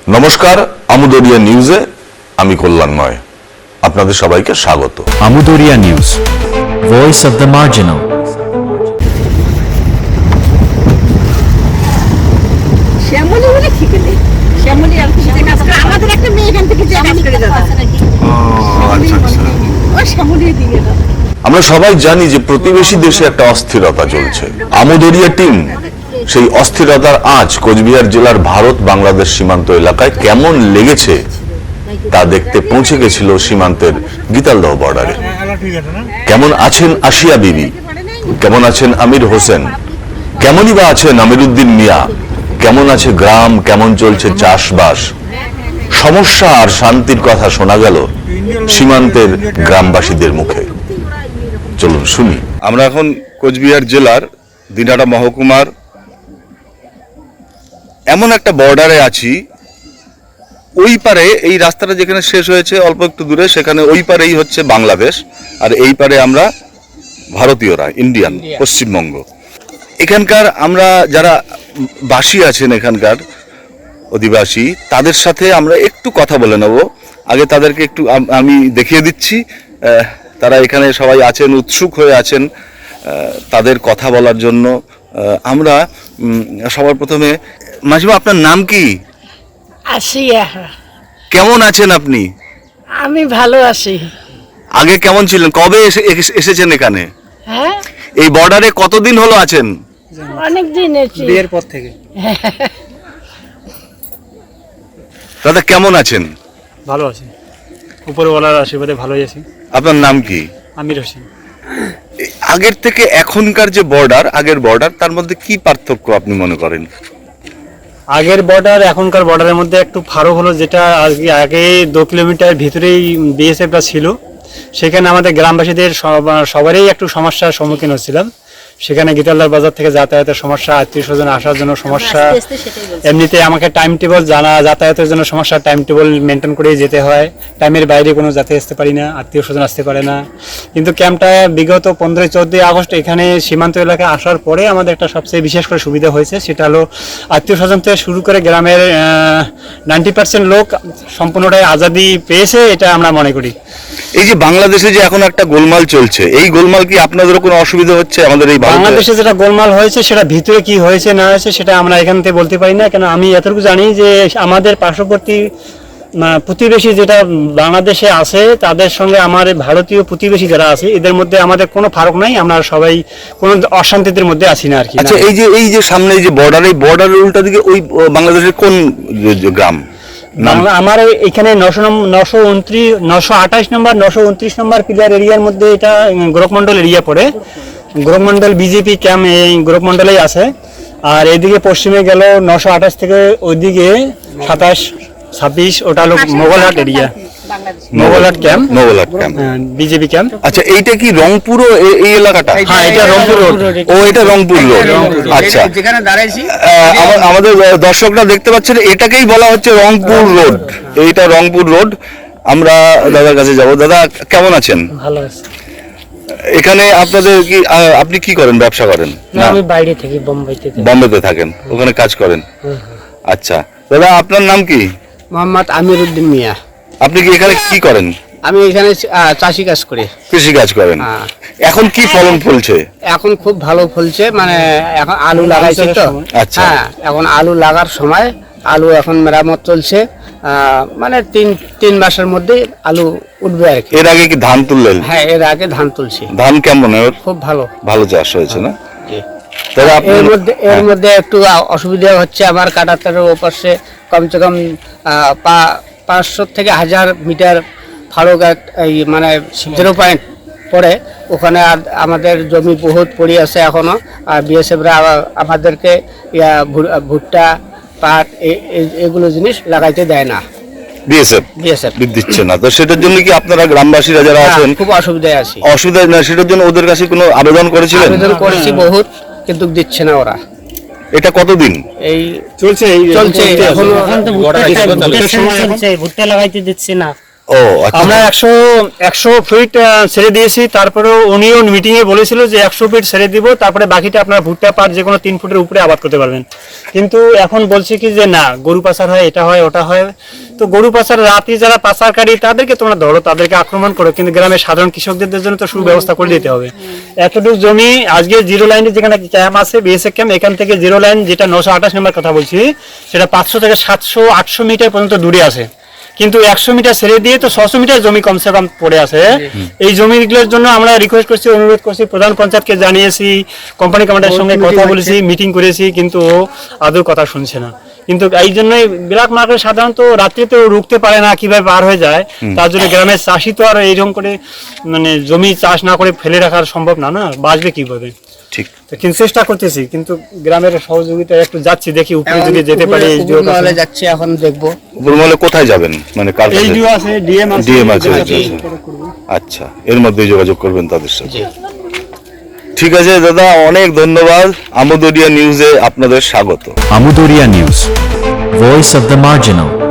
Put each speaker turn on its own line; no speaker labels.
নমস্কার, আমুদরিয়া নিউজে আমি কল্যাণময় আপনাদের সবাইকে স্বাগত।
Amudariya news, voice of the marginal.
Shyamali বলে ঠিক নেই, শ্যামলী আর কিছু কাজ করে আমাদের একটা মেয়ে এখান থেকে যে কাজ করে দাদা ও শ্যামলী দিয়ে দাও।
আমরা সবাই জানি যে প্রতিবেশী দেশে একটা অস্থিরতা চলছে। আমুদরিয়া টিম সেই অস্থিরতার আঁচ কোচবিহার জেলার ভারত বাংলাদেশ সীমান্ত এলাকায় কেমন লেগেছে তা দেখতে পৌঁছে গেছিল সীমান্তের গীতালদহ বর্ডারে। কেমন আছেন আসিয়া বিবি, কেমন আছেন আমির হোসেন, কেমনই বা আছেন আমিরুদ্দিন মিয়া, কেমন আছে গ্রাম, কেমন চলছে চাষবাস, সমস্যা আর শান্তির কথা শোনা গেল সীমান্তের গ্রামবাসীদের মুখে। চলুন শুনি। আমরা এখন কোচবিহার জেলার দিনহাটা মহকুমার এমন একটা বর্ডারে আছি, ওই পারে এই রাস্তাটা যেখানে শেষ হয়েছে অল্প একটু দূরে, সেখানে ওই পারেই হচ্ছে বাংলাদেশ, আর এই পারে আমরা ভারতীয়রা, ইন্ডিয়ান, পশ্চিমবঙ্গ। এখানকার আমরা যারা বাসী আছেন, এখানকার অধিবাসী, তাদের সাথে আমরা একটু কথা বলে নেব। আগে তাদেরকে একটু আমি দেখিয়ে দিচ্ছি, তারা এখানে সবাই আছেন, উৎসুক হয়ে আছেন তাদের কথা বলার জন্য। আমরা সবার প্রথমে, মাসিমা আপনার নাম কি?
আসিয়া।
কেমন আছেন আপনি?
আমি ভালো আছি।
আগে কেমন ছিলেন? কবে এসেছেন এখানে?
হ্যাঁ,
এই বর্ডারে কতদিন হলো আছেন?
অনেক দিন এসেছি।
বিয়ের পর থেকে।
দাদা কেমন আছেন?
ভালো আছি, উপরওয়ালার আশীর্বাদে ভালোই আছি।
আপনার নাম কি?
আমির হোসেন।
আগের থেকে এখনকার যে বর্ডার, আগের বর্ডার, তার মধ্যে কি পার্থক্য আপনি মনে করেন?
আগের বর্ডার এখনকার বর্ডারের মধ্যে একটু ফারাক হলো, যেটা আগে 2 কিলোমিটার ভিতরেই বিএসএফটা ছিল, সেখানে আমাদের গ্রামবাসীদের সবারই একটু সমস্যার সম্মুখীন হচ্ছিলাম। সেখানে গীতালদার বাজার থেকে যাতায়াতের সমস্যা, আত্মীয় স্বজন আসার জন্য সমস্যা, এমনিতে আমাকে টাইম টেবল যাতায়াতের জন্য সমস্যা, টাইম টেবল মেনটেন করেই যেতে হয়, টাইমের বাইরে কোনো যাতে আসতে পারি না, আত্মীয় স্বজন আসতে পারে না। কিন্তু ক্যাম্পটা বিগত 15-14 আগস্ট এখানে সীমান্ত এলাকায় আসার পরে আমাদের একটা সবচেয়ে বিশেষ করে সুবিধা হয়েছে, সেটা হলো আত্মীয় স্বজন থেকে শুরু করে গ্রামের 90% লোক সম্পূর্ণটাই আজাদি পেয়েছে, এটা আমরা মনে করি।
এই যে বাংলাদেশে যে এখন একটা গোলমাল চলছে, এই গোলমাল কি আপনাদেরও কোনো অসুবিধা হচ্ছে? আমাদের এই
বাংলাদেশে যেটা গোলমাল হয়েছে, সেটা ভিতরে কি হয়েছে না হয়েছে সেটা আমরা এখান থেকে বলতে পারি না, কেন আমি এতটুকু জানি যে আমাদের পার্শ্ববর্তী প্রতিবেশী যেটা বাংলাদেশে আছে, তাদের সঙ্গে আমার ভারতীয় প্রতিবেশী যারা আছে, এদের মধ্যে আমাদের কোনো ফারাক নাই, আমরা সবাই কোনো অশান্তির মধ্যে আছি না আর কি।
আচ্ছা, এই যে সামনে এই যে বর্ডার, এই বর্ডারের উল্টা দিকে ওই বাংলাদেশের কোন গ্রাম?
আমার এখানে 928 নম্বর 929 নম্বর পিলার এরিয়ার মধ্যে এটা গোরখমন্ডল এরিয়া পড়ে। গোরখমন্ডল বিজেপি ক্যাম্প এই গোরখমন্ডলেই আছে। আর এদিকে পশ্চিমে গেল 928 থেকে ওইদিকে 27-26, ওটা হলো Mogalhat area, Mogalhat camp,
Mogalhat camp,
BJP camp.
আচ্ছা, এইটা কি রংপুর এই এলাকাটা?
হ্যাঁ, এটা রংপুর রোড।
ও, এটা রংপুর রোড। আচ্ছা,
যেখানে দাঁড়াইছি
আমাদের দর্শকরা দেখতে পাচ্ছেন, এটাকেই বলা হচ্ছে রংপুর রোড। এইটা রংপুর রোড। আমরা দাদার কাছে যাব। দাদা কেমন আছেন?
ভালো আছি।
এখানে আপনাদের কি, আপনি কি করেন, ব্যবসা করেন?
না, আমি বাইরে থাকি,
বোম্বেতে থাকেন, ওখানে কাজ করেন। আচ্ছা দাদা, আপনার নাম কি?
মোহাম্মদ আমিরুদ্দিন মিয়া।
আপনি কি এখানে কি করেন?
আমি এখানে চাষি কাজ করি,
কৃষি কাজ করেন। এখন কি ফলন ফলছে?
এখন খুব ভালো ফলছে, মানে এখন আলু লাগাইছে তো।
আচ্ছা।
হ্যাঁ, এখন আলু লাগার সময়, আলু এখন মেরামত চলছে, মানে 3 মাসের মধ্যে আলু উঠবে আর কি।
এর আগে কি ধান তুললেন?
হ্যাঁ, এর আগে ধান তুলছি।
ধান কেমন?
খুব ভালো,
ভালো চাষ হয়েছে না?
এর মধ্যে একটু অসুবিধা হচ্ছে আমার, কাটাতারের ওপাশে কমসে কম 500 থেকে 1000 মিটার ফারক, এই মানে 0 পয়েন্ট পড়ে, ওখানে আমাদের জমি বহুত পড়ে আছে এখনো। আর বিএসএফরা আমাদেরকে ভুট্টা, পাট, এগুলো জিনিস লাগাইতে দেয় না। বিএসএফ
দিচ্ছে না, তো সেটার জন্য কি আপনারা গ্রামবাসীরা যারা আছেন
খুব অসুবিধায় আছি?
অসুবিধা না, সেটার জন্য ওদের কাছে কোনো আবেদন করেছিলেন?
আবেদন করেছি বহুত, কিন্তু দিচ্ছে না ওরা।
এটা কতদিন
এই
চলছে?
চলছে,
ভুট্টা লাগাইতে দিচ্ছে না।
ও ও আচ্ছা।
আমরা 100 ফিট ছেড়ে দিয়েছি, তারপরেও উনিও মিটিং এ বলেছিল যে 100 ফিট ছেড়ে দিব, তারপরে বাকিটা আপনার ভুট্টা পাট যে কোনো 3 ফুটের উপরে আবাদ করতে পারবেন। কিন্তু এখন বলছে কি যে না, গরু পাচার হয়, এটা হয় ওটা হয়। তো গরু পাচার, রাতে যারা পাচারকারী তাদেরকে তোমরা ধরো, তাদেরকে আক্রমণ করো, কিন্তু গ্রামের সাধারণ কৃষকদের জন্য তো সুব্যবস্থা করে দিতে হবে। এতটুকু জমি আজকে জিরো লাইনে যেখানে ক্যাম্প আছে, বিএসএফ ক্যাম্প, এখান থেকে জিরো লাইন যেটা 928 নম্বর কথা বলছি, সেটা 500 থেকে 700-800 মিটার পর্যন্ত দূরে আছে। কিন্তু 100 মিটার ছেড়ে দিয়ে তো 600 মিটার জমি কমসে কম পড়ে আছে। এই জমিগুলোর জন্য আমরা রিকোয়েস্ট করছি, অনুরোধ করছি, প্রধান পঞ্চায়েতকে জানিয়েছি, কোম্পানি কমান্ডারের সঙ্গে কথা বলেছি, মিটিং করেছি, কিন্তু ও আদৌ কথা শুনছে না। কিন্তু এই জন্যই ব্ল্যাক মার্কেট সাধারণত রাত্রিতে রুখতে পারে না, কিভাবে পার হয়ে যায়। তার জন্য গ্রামের চাষি তো আর এইরকম করে মানে জমি চাষ না করে ফেলে রাখা সম্ভব না, না বাঁচবে কিভাবে।
ঠিক।
তো কিন্তু চেষ্টা করতেছি, কিন্তু গ্রামের সহযোগিতা একটু যাচ্ছি, দেখি উপরে যদি যেতে পারি।
মহলে যাচ্ছি, এখন দেখবো।
উপরমহলে কোথায় যাবেন, মানে কার কাছে?
এইচডিও আছে, ডিএম আছে।
ডিএম আছে, আচ্ছা, এর মধ্যে যোগাযোগ করবেন তাদের সাথে। ঠিক আছে দাদা, অনেক ধন্যবাদ। আমুদরিয়া নিউজে আপনাদের স্বাগত।
Amudoria News, Voice of the Marginal.